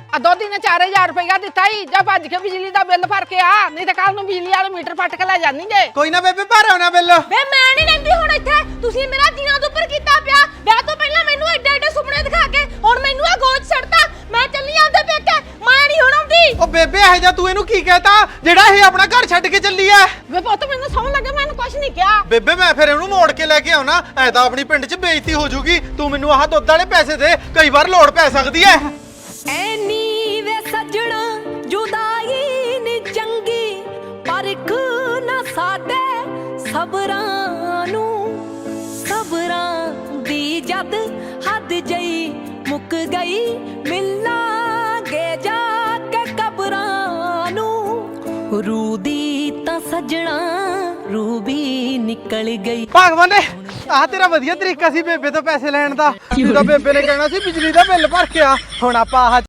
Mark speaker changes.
Speaker 1: ਆ ਦੋ ਦਿਨ 4000 ਰੁਪਇਆ ਦਿੱਤਾ ਹੀ ਜਾ ਭੱਜ ਕੇ ਬਿਜਲੀ ਦਾ ਬਿੱਲ ਭਰ ਕੇ ਆ ਨਹੀਂ ਤਾਂ ਕੱਲ ਨੂੰ ਬਿਜਲੀ ਵਾਲੇ ਮੀਟਰ ਪੱਟ ਕੇ ਲੈ ਜਾਣੀ ਜੇ।
Speaker 2: ਕੋਈ ਨਾ ਬੇਬੇ ਭਰ ਆਉਣਾ ਬਿੱਲ।
Speaker 3: ਵੇ ਮੈਂ ਨਹੀਂ ਰਹਿੰਦੀ ਹੁਣ ਇੱਥੇ, ਤੁਸੀਂ ਮੇਰਾ ਜੀਣਾ ਤੋਂ ਉੱਪਰ ਕੀਤਾ ਪਿਆ। ਵਿਆਹ ਤੋਂ ਪਹਿਲਾਂ ਮੈਨੂੰ ਐਡੇ ਐਡੇ ਸੁਪਨੇ ਦਿਖਾ ਕੇ ਹੁਣ ਮੈਨੂੰ ਆ ਗੋਚ ਛੱਡਤਾ। ਮੈਂ ਚੱਲੀ ਆਂਦੇ ਪੇਕੇ, ਮੈਂ ਨਹੀਂ ਹੁਣ ਆਉਂਦੀ।
Speaker 2: ਉਹ ਬੇਬੇ ਇਹ ਜਾ ਤੂੰ ਇਹਨੂੰ ਕੀ ਕਹਿਤਾ ਜਿਹੜਾ ਇਹ ਆਪਣਾ ਘਰ ਛੱਡ ਕੇ ਚੱਲੀ ਐ?
Speaker 1: ਵੇ ਪੁੱਤ ਮੈਨੂੰ ਸਮਝ ਲੱਗੇ ਮੈਨੂੰ ਕੁਝ ਨਹੀਂ ਕਿਹਾ।
Speaker 2: ਬੇਬੇ ਮੈਂ ਫਿਰ ਇਹਨੂੰ ਮੋੜ ਕੇ ਲੈ ਕੇ ਆਉਣਾ, ਐ ਤਾਂ ਆਪਣੀ ਪਿੰਡ 'ਚ ਬੇਇੱਜ਼ਤੀ ਹੋ ਜੂਗੀ। ਤੂੰ ਮੈਨੂੰ ਆਹ ਦੁੱਧ ਵਾਲੇ ਪੈਸੇ ਦੇ, ਕਈ ਵਾਰ ਲੋੜ ਪੈ ਸਕਦੀ ਐ।
Speaker 3: ਐਨੀ ਵੇ ਸੱਜਣਾ ਜੁਦਾਈ ਨੀ ਚੰਗੀ, ਪਰਖ ਨਾ ਸਾਡੇ ਸਬਰਾਂ ਨੂੰ। ਸਬਰਾਂ ਦੀ ਜਦ ਹੱਦ ਜਈ ਮੁੱਕ ਗਈ, ਮਿਲਾਂਗੇ ਜਾ ਕੇ ਕਬਰਾਂ ਨੂੰ। ਰੂ ਦੀ ਤਾਂ ਸੱਜਣਾ ਰੂ ਵੀ ਨਿਕਲ ਗਈ।
Speaker 2: ਭਗਵਾਨ ਨੇ ਆਹ ਤੇਰਾ ਵਧੀਆ ਤਰੀਕਾ ਸੀ ਬੇਬੇ ਤੋਂ ਪੈਸੇ ਲੈਣ ਦਾ। ਤੂੰ ਤਾਂ ਬੇਬੇ ਨੇ ਕਹਿਣਾ ਸੀ ਬਿਜਲੀ ਦਾ ਬਿੱਲ ਭਰ ਕੇ ਆ, ਹੁਣ ਆਪਾਂ ਆਹ